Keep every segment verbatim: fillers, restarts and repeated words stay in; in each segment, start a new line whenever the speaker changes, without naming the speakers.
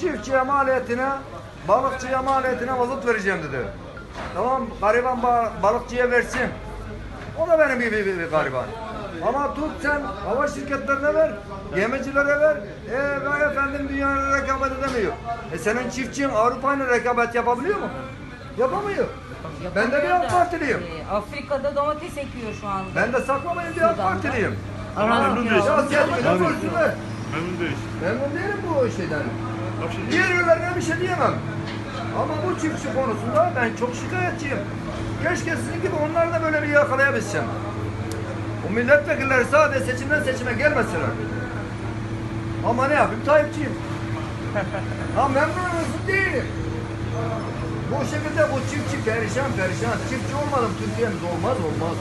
Çiftçiye maliyetine, balıkçıya maliyetine mazot vereceğim dedi. Tamam, gariban ba- balıkçıya versin. O da benim gibi bir, bir gariban. Ama tut sen hava şirketlerine ver, gemicilere ver. E vay efendim dünyayla rekabet edemiyor. E senin çiftçin Avrupa'yla rekabet yapabiliyor mu? Yapamıyor. Ben de bir AK Partiliyim.
E, Afrika'da domates ekiyor şu anda.
Ben de saklamayın bir AK Partiliyim.
Memnun değilsin.
Siyasiyetimi de
Memnun.
görsünler.
Memnun değilsin.
Memnun değilim bu şeyden.
Bak şimdi.
Diğer ürünlerine bir şey diyemem. Ama bu çiftçi konusunda ben çok şikayetçiyim. Keşke sizin gibi onları da böyle bir yakalayabilsem. O milletvekilleri sadece seçimden seçime gelmeseler. Ama ne yapayım? Tayyipçiyim. Ha memnun musun? Değilim. Bu şekilde bu çiftçi perişan perişan. Çiftçi olmadım Türkiye'miz olmaz olmaz.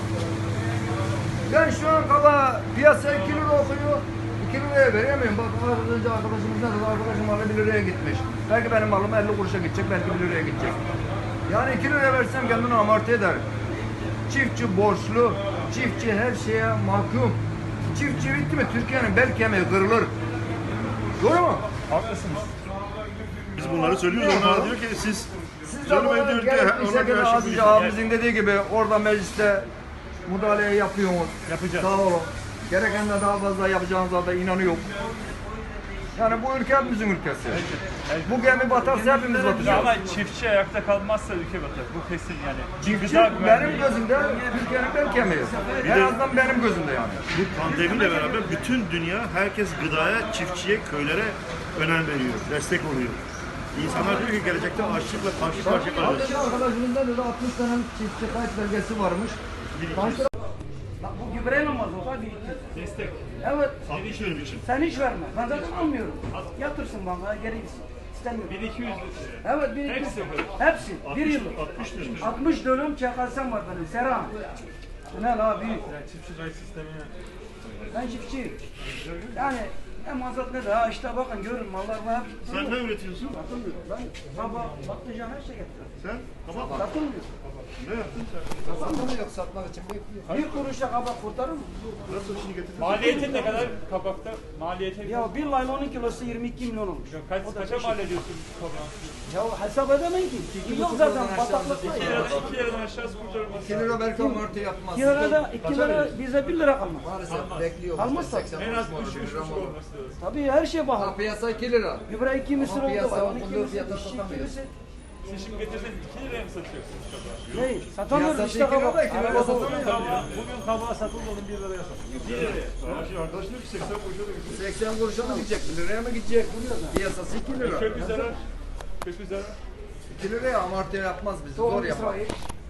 Ben şu an kaba piyasa iki lira okuyor. iki liraya veremiyorum. Bak az önce arkadaşımız ne dedi? Arkadaşım malı bir liraya gitmiş. Belki benim malım elli kuruşa gidecek, belki bir liraya gidecek. Yani iki liraya versem kendini amorti eder. Çiftçi borçlu, çiftçi her şeye mahkum. Çiftçi bitti mi Türkiye'nin bel kemiği kırılır. Doğru mu?
Haklısınız. Biz bunları söylüyoruz. Onlar diyor ki siz
Siz de
söylemeyin
bana
diyor ki
gelip bir
ona
şekilde
göre
az
şey
önce abimizin dediği gibi orada mecliste müdahale yapıyorsunuz.
Yapacağız.
Sağ olun. Gereken de daha fazla yapacağınıza da inanıyorum. Yani bu ülke hepimizin ülkesi. Bu gemi batarsa hepimiz
Ya
batacağız.
ama çiftçi ayakta kalmazsa ülke batar. Bu kesin yani.
Çiftçi
Gıda
benim
güvenliği.
gözümde Türkiye'nin bel kemiği. En
de-
azından benim gözümde yani.
Bu pandemiyle beraber bütün dünya herkes gıdaya, çiftçiye, köylere önem veriyor, destek oluyor. İnsanlar diyor ki gelecekte açlıkla karşı karşıya kalacağız.
Arkadaşım arkadaşımın da dedi altmış tane çiftçi kayıt belgesi varmış. Kaç lira?
Bak bu gübreyle mazota bir
Destek.
Evet.
altmış dönüm için.
Sen hiç verme. Ben zaten almıyorum. Yatırsın bankaya geri gitsin. İstemiyorum.
bin iki yüz lira.
Evet bir
Hepsi
iki.
mi?
Hepsi. Bir
altmış,
yıllık.
altmış dönüm.
altmış dönüm çakalsam var benim. Seram. Ne la büyük.
Çiftçi kayıt sistemine.
Ben çiftçiyim. Yani ne mazot ne de ha işte bakın görün mallar var.
Sen ne üretiyorsun?
Satılmıyor. Ben baba patlıcan her şey getiriyorum.
Sen kabak.
Satılmıyor.
Ne yaptın sen?
Satmak yok, satmak için bekliyor.
Bir kuruşa kabak kurtarır mı?
Nasıl şimdi getirdin?
Maliyeti ne kadar kabakta? Maliyeti
Ya bir laylonun kilosu yirmi iki milyon olmuş.
kaç, kaça mal ediyorsun kabak?
Ya hesap edemeyin ki. Yok zaten bataklıkta
iki
ya.
liradan iki liradan aşağısı kurtarılmaz.
iki lira belki amorti yapmaz.
iki lirada iki lira bize bir lira kalmaz.
Maalesef bekliyor.
Kalmazsa.
En az üç üç buçuk olması lazım.
Tabii her şey
Ha,
pahalı.
piyasa iki lira.
Gübre iki misir
Ama
oldu.
piyasa
Hayvan iki
okunduğu
misir,
fiyata
işçi iki
satamıyor.
misir.
Siz şimdi getirseniz iki liraya mı satıyorsunuz kabağı?
Ne? Satamıyoruz
Piyasası
işte
iki lira da
kabak.
iki lira
Araba
satamıyor.
Kabağı, bugün kabağı satıldı onun bir liraya satılıyor. Bir liraya.
Şimdi arkadaş diyor ki seksen kuruşa da getirdin.
seksen kuruşa mı gidecek? bir liraya mı gidecek? Piyasası iki lira.
Kökü zarar. Kökü zarar.
iki liraya amorti yapmaz bizi.
Tohum
Zor yapar.
İsrail.